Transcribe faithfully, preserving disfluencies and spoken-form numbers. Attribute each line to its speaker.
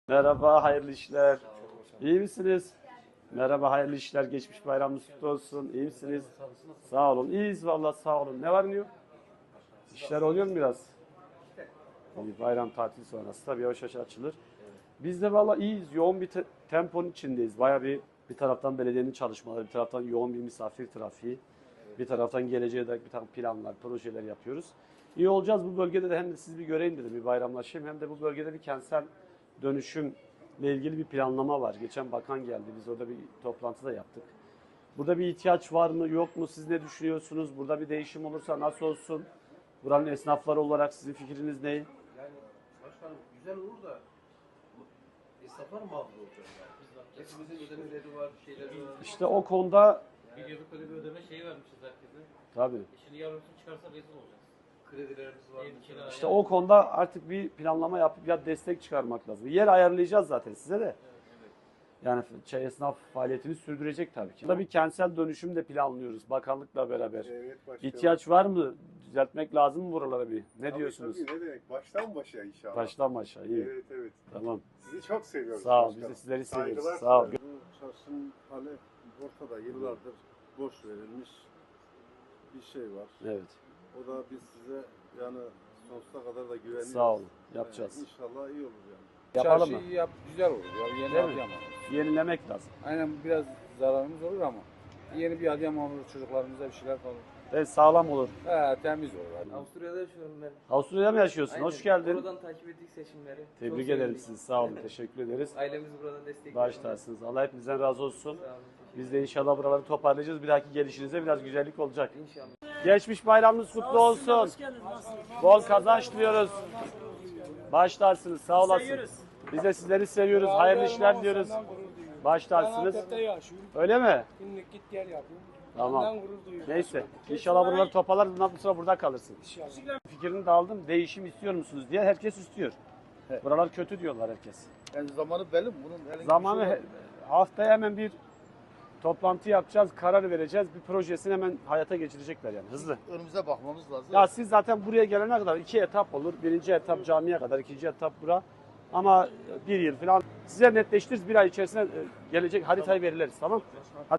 Speaker 1: Merhaba, hayırlı işler. İyi misiniz? Merhaba, hayırlı işler. Geçmiş bayramınız kutlu olsun. İyi misiniz? Sağ olun. İyiyiz vallahi sağ olun. Ne var ne yok? İşler oluyor mu biraz? İyi, bayram tatil sonrası tabii yavaş yavaş açılır. Biz de vallahi iyiyiz. Yoğun bir te- temponun içindeyiz. Baya bir bir taraftan belediyenin çalışmaları, bir taraftan yoğun bir misafir trafiği, bir taraftan geleceğe dair bir takım planlar, projeler yapıyoruz. İyi olacağız bu bölgede de hem de sizi bir göreyim dedim, bir bayramlaşayım. Hem de bu bölgede bir kentsel dönüşümle ilgili bir planlama var. Geçen bakan geldi, biz orada bir toplantı da yaptık. Burada bir ihtiyaç var mı, yok mu? Siz ne düşünüyorsunuz? Burada bir değişim olursa nasıl olsun? Buranın esnafları olarak sizin fikriniz ne?
Speaker 2: Yani başkanım güzel olur da esnaflar mağdur olacak yani. Hepimizin ödemeleri var, şeyleri var.
Speaker 1: İşte o konuda
Speaker 3: Bir yıllık öyle bir ödeme şeyi vermişiz herkese.
Speaker 1: tabii.
Speaker 3: E şimdi yarın çıkarsa rezil olacağız.
Speaker 2: Kredilerimiz var.
Speaker 3: Ev kira,
Speaker 1: İşte
Speaker 3: yani.
Speaker 1: o konuda artık bir planlama yapıp ya destek çıkarmak lazım. Yer ayarlayacağız zaten size de.
Speaker 3: Evet.
Speaker 1: Yani şey, esnaf faaliyetini sürdürecek tabii ki. Burada bir kentsel dönüşüm de planlıyoruz bakanlıkla beraber.
Speaker 4: Evet başkanım.
Speaker 1: İhtiyaç var mı? Düzeltmek lazım mı buralara bir? Ne
Speaker 4: Tabii,
Speaker 1: diyorsunuz?
Speaker 4: Tabii, ne demek? Baştan başa inşallah.
Speaker 1: Baştan başa. İyi.
Speaker 4: Evet evet.
Speaker 1: Tamam.
Speaker 4: Sizi çok seviyoruz.
Speaker 1: Sağ ol. Biz
Speaker 4: başkanım.
Speaker 1: de sizleri seviyoruz.
Speaker 4: Saygılar
Speaker 1: Sağ ol.
Speaker 4: sunarım.
Speaker 5: Bu çarşının hali ortada. Yıllardır boş verilmiş bir şey var.
Speaker 1: Evet.
Speaker 5: O da biz size yani sonsuza kadar da güveniyoruz.
Speaker 1: Sağ olun. Yapacağız.
Speaker 5: Yani inşallah iyi olur yani.
Speaker 1: Yapalım mı?
Speaker 6: Çarşıyı yap, güzel olur ya. Yeni
Speaker 1: Değil mi?
Speaker 6: Adıyaman.
Speaker 1: Yenilemek lazım.
Speaker 6: Aynen biraz zararımız olur ama yeni bir Adıyaman olur, çocuklarımıza bir şeyler kalır.
Speaker 1: Evet, sağlam olur.
Speaker 6: He, temiz olur.
Speaker 7: Avusturya'da yaşıyorum ben.
Speaker 1: Avusturya'da mı yaşıyorsun?
Speaker 7: Aynen.
Speaker 1: Hoş geldin.
Speaker 7: Oradan takip ettik seçimleri.
Speaker 1: Tebrik
Speaker 7: Çok
Speaker 1: ederim
Speaker 7: sevindik.
Speaker 1: sizi. Sağ olun. Teşekkür ederiz.
Speaker 7: Ailemiz burada destek
Speaker 1: Baş
Speaker 7: veriyor.
Speaker 1: tacısınız. Allah hepinizden razı olsun.
Speaker 7: Sağ olun, teşekkür
Speaker 1: Biz de inşallah buraları toparlayacağız. Bir dahaki gelişinize biraz güzellik olacak.
Speaker 7: ederim. İnşallah.
Speaker 1: Geçmiş bayramınız kutlu olsun. Bol kazanç diliyoruz. Başlarsınız. Sağ olasın. Biz de sizleri seviyoruz. Hayırlı işler diliyoruz. Başlarsınız. Öyle mi?
Speaker 8: Günlük git gel yapıyorum.
Speaker 1: Tamam.
Speaker 8: Ondan gurur duyuyorum.
Speaker 1: Neyse. İnşallah buraları toparlarız. Bundan sonra burada kalırsın. Fikrini de aldım. Değişim istiyor musunuz diye. Herkes istiyor. Buralar kötü diyorlar herkes.
Speaker 5: Yani zamanı belli mi? Bunun herhangi bir
Speaker 1: Zamanı
Speaker 5: şey var
Speaker 1: he- haftaya hemen bir toplantı yapacağız. Karar vereceğiz. Bir projesini hemen hayata geçirecekler yani. Hızlı.
Speaker 5: mı? Önümüze bakmamız lazım.
Speaker 1: Ya siz zaten buraya gelene kadar iki etap olur. Birinci etap camiye kadar, ikinci etap bura. Ama bir yıl falan size netleştiririz. Bir ay içerisinde e, gelecek haritayı veriliriz. Tamam.